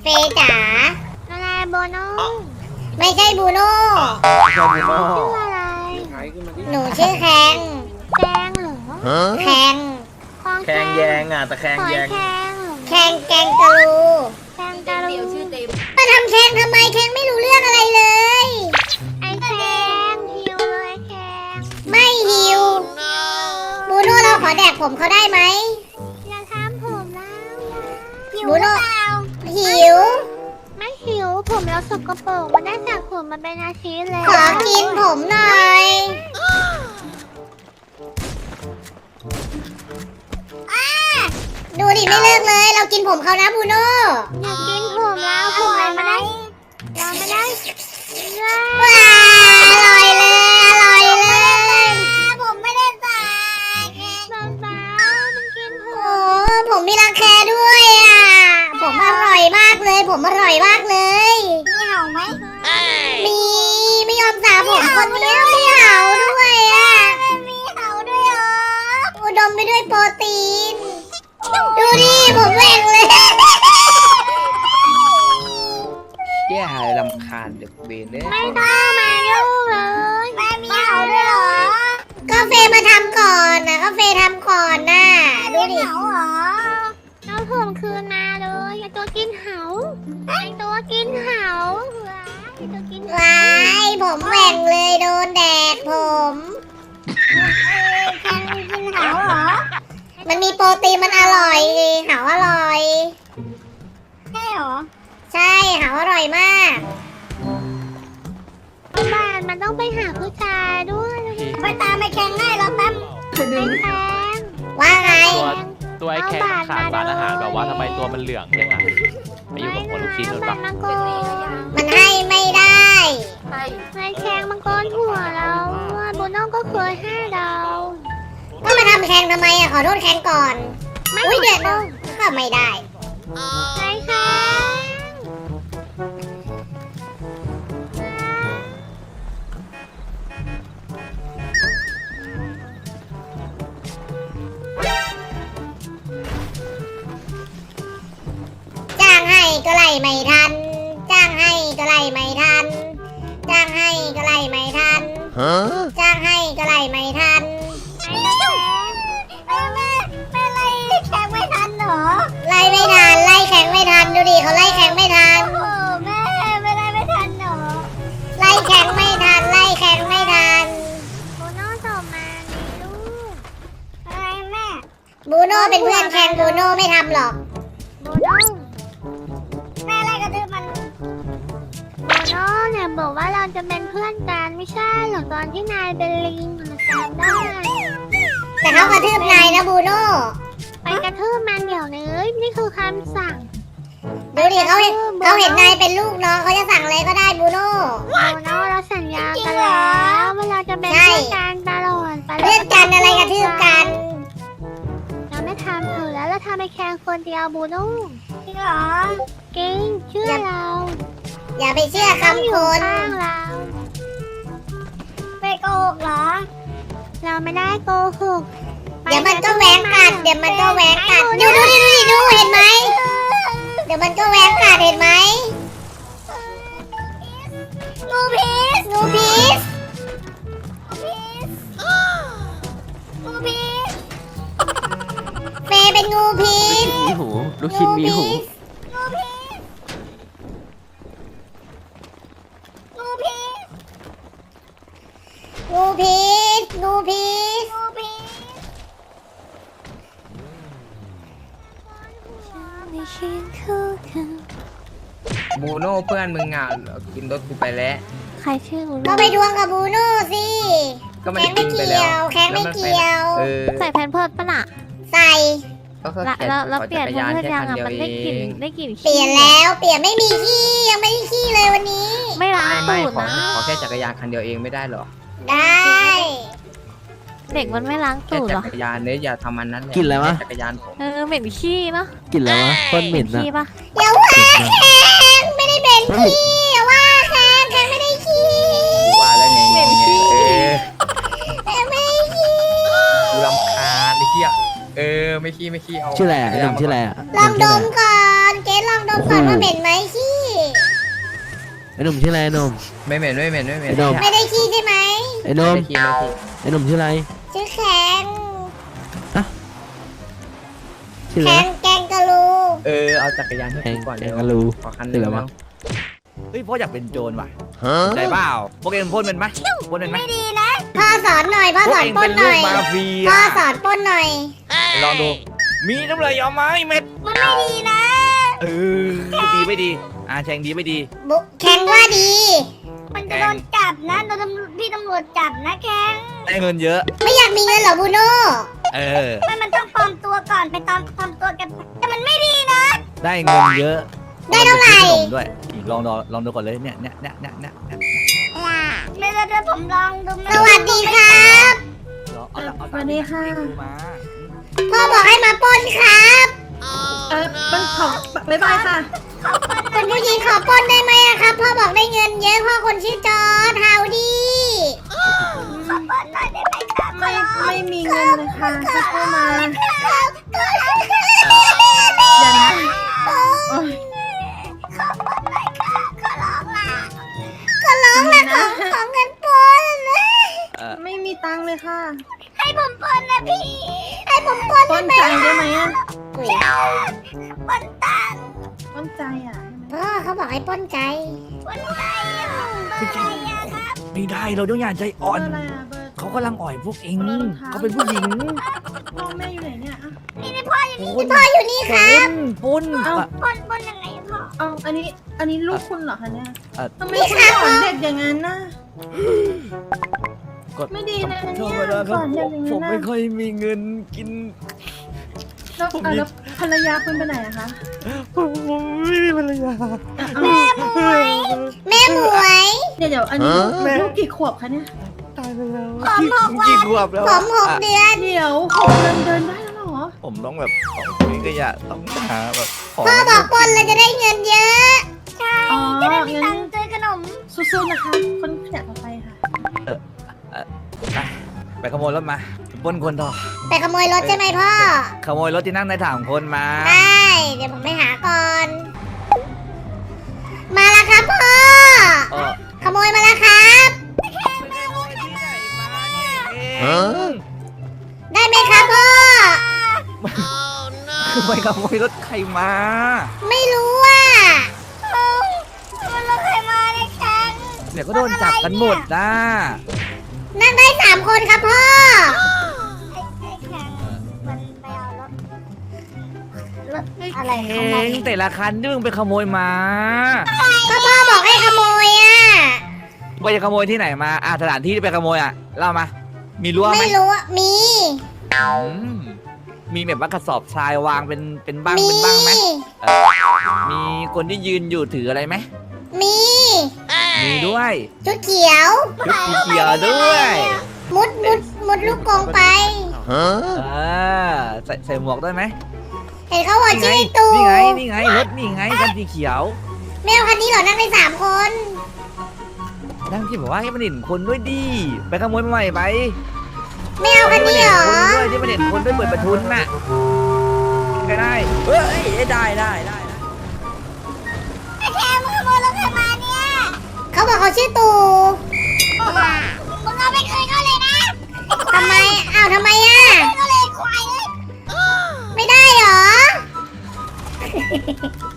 เฟย์จ๋าอะไรโบโน่ไม่ใช่บูโน่ชื่ออะไรหนูชื่อแคงแกงเหรอแคงคลองแขงแยงอ่ะตะแคงหอยแยงแคงเหรอแคงแกงกะลูแกงกะลูมาทำแคงทำไมแคงไม่รู้เรื่องอะไรเลยไอ้แกงหิวเลยแกงไม่หิวบูโน่เราขอแดกผมเขาได้ไหมอย่าทำผมแล้วหิวบูหรือโน่เปล่าหิวไม่หิวผมเราสกปรกมันได้จากผมมาเป็นอาทิตย์แล้วขอกินผมหน่อยดูดิไม่เลิกเลย เรากินผมเขานะบูโน่อยากกินผมแล้วผมเราไม่ได้เราไม่ได้ว้าอร่อยเลยอร่อยเลยผมไม่ได้ใส่บ้ามันกินผโอ้มผมมีรังแคด้วยอ่ะผมอร่อยมากเลย ผมอร่อยมากเลยมีเห่าไหมมีไม่ยอมสระผมคนเนี้ยไม่เห่าด้วยอ่ะมีเห่าด้วยเหรออุดมไปด้วยโปรตีน ดูดิผมแหว่งเลยแย่หายลำคาญเด็กเบนเนี่ยไม่ต้องมายุ่งเลยแม่มีเห่าด้วยเหรอก็เฟย์มาทำก่อนนะก็เฟย์ทำก่อนน่ะดูดิเห่าเหรอเอาผมคืนมาเลยไอตัวกินเห่าไอตัวกินเห่าไอตัวกินเห่าว้ายผมแหว่งเลยโดนแดดผมแข่งกินเห่าเหรอมันมีโปรตีนมันอร่อยดิหาอร่อยใช่เหรอใช่หาอร่อยมากบ้านมันต้องไปหาผู้ชายด้วยไปตามไปแข่งง่ายแล้วแป๊บไปแข่งว่าไงตัวไอ้แค่ขาดสารอาหารแบบว่าทำไมตัวมันเหลืองเนี่ยนะไปอยู่กับคนลูกชิ้นหรือเปล่ามังกรมันให้ไม่ได้ไอ้แข่งมังกรหัวเราโบโน่ก็เคยให้เราก็มาทำแข่งทำไมอ่ะขอโทษแข่งก่อน อุ้ยเดือดนะก็ไม่ได้ไอ้แข่งจ้างให้ก็ไล่ไม่ทัน จ้างให้ก็ไล่ไม่ทัน จ้างให้ก็ไล่ไม่ทัน จ้างให้ก็ไล่ไม่ทันไอ้แข่งแม่ไล่แข่งไม่ทันเหรอไล่ไม่ทัน ไล่แข่งไม่ทัน ดูดิเขาไล่แข่งไม่ทันโอ้แม่ไม่ไล่ไม่ทันเหรอไล่แข่งไม่ทัน ไล่แข่งไม่ทันโบโน่ส่งมาลูกอะไรแม่บูโน่เป็นเพื่อนแข่งบูโน่ไม่ทำหรอกโบโน่แม่ไล่กระตือมันโบโน่เนี่ยบอกว่าเราจะเป็นเพื่อนกันไม่ใช่หรอตอนที่นายเป็นลิงมันจำได้แต่เขากระทืบนายนะบูโน่ไปกระทืบมันเดี๋ยวนี้นี่คือคำสั่งดูดิเขาเห็นนายเป็นลูกน้องเขาจะสั่งอะไรก็ได้บูโน่โบโน่เราสัญญากันแล้วว่าเราจะเป็นเพื่อนกันตลอดไปเพื่อนกันอะไรกระทืบกันเราไม่ทำเถอะแล้วเราทำไปแค่คนเดียวโบโน่จริงเหรอจริงเชื่อเราอย่าไปเชื่อคำคนข้างเราไปโกหกเหรอ เราไม่ได้โกหกเดี๋ยวมันก็แหวงกัด เดี๋ยวมันก็แหวงกัด ดูเห็นไหม เดี๋ยวมันก็แหวงกัดเห็นไหมงูพิษงูพิษงูพิษเฟย์เป็นงูพิษมีหู ลูกชิ้นมีหูงูพิษงูพิษงูพิษ งูพิษงูพิษไม่ใช่คู่กันบูโน่เพื่อนมึงอ่ะกินรถกูไปแล้วใครชื่องูก็ไปดวงกับบูโน่สิก็มันแข้งไม่กินไปเกี่แล้ยว ว แข้งไม่เกี่ยวเออใส่แพนเพิร์ดปะน่ะใส่ก็แค่แล้วเปลี่ยนแพนเพิร์ดยังอ่ะมันได้กลิ่นเองได้กลิ่นเปลี่ยนแล้ว เปลี่ยนไม่มีขี้ ยังไม่ได้ขี้เลยวันนี้ไม่ล้างไม่ตูดขอนะขอแค่จักรยานคันเดียวเองไม่ได้หรอได้เด็กมันไม่ล้างแค่ตูดจัหรอกรยานเนี่ยอย่าทำมันนั้นแหละกินอะไรวะแค่จักรยานผมเหม็นขี้เนาะกลิ่นอะไรวะโคนเหม็นอะขี้ปะอย่าว่าแข้งไม่ได้เป็นขี้อย่าว่าแข้งไม่ได้ขี้ว่าแล้วไงเนี่ยแข้งไม่ได้ขี้กูรำคาญไอ้เหี้ยไม่ขี้เอาชื่ออะไรอ่ะไอ้หนุ่มชื่ออะไรอ่ะลองดมก่อน เกดลองดมก่อนว่าเหม็นไหมขี้ไอ้หนุ่มชื่ออะไรไอ้หนุ่มไม่เหม็นไม่เหม็นไม่เหม็นไอ้หนุ่มไม่ได้ขี้ใช่ไหมไอ้หนุ่มไม่ขี้ไม่ขี้ไอ้หนุ่มชื่ออะไรชื่อแข็งชื่ออะไรแข็งนะแกงกะลูเอาจักรยานให้กูก่อนแข่เร็งวกันรูขอคันหชื่นึ่อง อะไรวะเฮ้ยพ่ออยากเป็นโจรว่ะได้เปล่าพวกเองพ่นเป็นไหมพ่นเป็นไหมไม่ดีนะพ่อสอนหน่อยพ่อพวสกอนเองปล้เป็น นหลูน่กอยมาเฟียพ่อสอนปล้นหน่อยลองดู มีน้ำลายเอาไหมเม็ดมันไม่ดีนะดีไม่ดีแชงดีไม่ดีแข็งว่าดีมันจะโดนจับนะโดนพี่ตำรวจจับนะแข้งได้เงินเยอะไม่อยากมีเงินเหรอบูโน่มันต้องปลอมตัวก่อนไปตอนปลอมตัวกันแต่มันไม่ดีนะได้เงินเยอะได้เท่าไหร่ขนมด้วยอีกลองดูก่อนเลยเนี่ยไม่ได้ผมลองดูสวัสดีครับสวัสดีค่ะมาพ่อบอกให้มาปล้นครับมันของบ๊ายบายค่ะคุณผู้หญิงขอปล้นได้ไหมอะครับ พ่อบอกได้เงินเยอะพ่อคนชื่อจอร์ดฮาวดี้ไม่มีเงินเลยค่ะจะเข้ามาเดี๋ยวนะโอ๊ยก็ร้องละของเงินปล้นไม่มีตังค์เลยค่ะให้ผมปล้นนะพี่ ให้ผมปล้นป้นใจได้ไหมอ่ะอุ๊ยปนตังป้นใจอ่ะพ่อเขาบอกให้ปล้นใจปนใจอะครับไม่ได้เราต้องอย่าใจอ่อนเบอร์อะไรอ่ะเบอร์เขากำลังอ่อยพวกเองเบอร์รองเท้าเขาเป็นผู้หญิงพ่อแม่อยู่ไหนเนี่ยอ่ะพ่ออยู่นี่ครับปุ้นปนยังไงพ่อเอาอันนี้ลูกคุณเหรอคะเนี่ย ทำไมนี่คุณครับสอนเด็กอย่างนั้นน่ะกดไม่ดีนะธรเนี่ยรมดาคสรับอนเด็กอย่างผนั้มนไม่น่ะค่อยมีเงินกินแล้วภรรยาคุณไปไหนอะคะผมไม่มีภรรยาเอาแม่หมวยเดี๋ยวอันนี้ลูกกี่ขวบคะเนี่ยตายไปแล้วกี่ขวบแล้วผม6 เดือนเดี๋ยว6 เดือนเดินได้แล้วเหรอผมต้องแบบของคุยก็อย่าต้องหาแบบของพ่อบอกปล้นแล้วจะได้เงินเยอะอ๋อจะได้มีงั้ตันงค์ซื้อขนมสู้ๆนะคะ คนขยันต่อไปค่ะไปขโมยรถมาปล้นคนต่อไปขโมยรถใช่ไหมพ่อขโมยรถที่นั่งในถังคนมาได้ เดี๋ยวผมไปหาก่อน มาแล้วครับพ่อเออขโมยมาแล้วครับ ได้ไหมครับพ่อไปขโมยรถใครมาไม่รู้อ่ะมันรถใครมาเนี่ยแข้งเดี๋ยวก็โดนจับกันหมดนะนั่งได้3 คนครับพ่อไอ้แข้งมันไปเอารถอะไรเองแต่ละคันที่มึงไปขโมยมาก็พ่อบอกให้ขโมยอ่ะไปจะขโมยที่ไหนมาสถานที่ที่ไปขโมยเล่ามา มีรั้วไหมไม่รู้อะมีอืมมีแบบว่ากระสอบทรายวางเป็นบ้างมีเป็นบ้างไหมมีคนที่ยืนอยู่ถืออะไรไหมมีมีด้วยชุดเขียวชุดสีเขียวด้วยมุดลูกกรงไปใส่หมวกด้วยไหมเห็นเขาบอกนี่ไงชื่อตูนี่ไงรถนี่ไงคันสีเขียวแมวคันนี้เหรอนั่งได้3 คนนั่งที่บอกว่าให้มันเห็นคนด้วยดิไปขโมยมาใหม่ไปแมวคันนี้เหรอที่มันเห็นคนด้วยเปิดประทุนน่ะก็ได้เฮ้ยได้ไอ้แข้งมึงขโมยรถใครมาเนี่ยเขาบอกเขาชื่อตูมึงเอาไปคืนเขาเลยนะทำไมอ้าวทำไมอ่ะก็เลยควายเลยไม่ได้เหรอ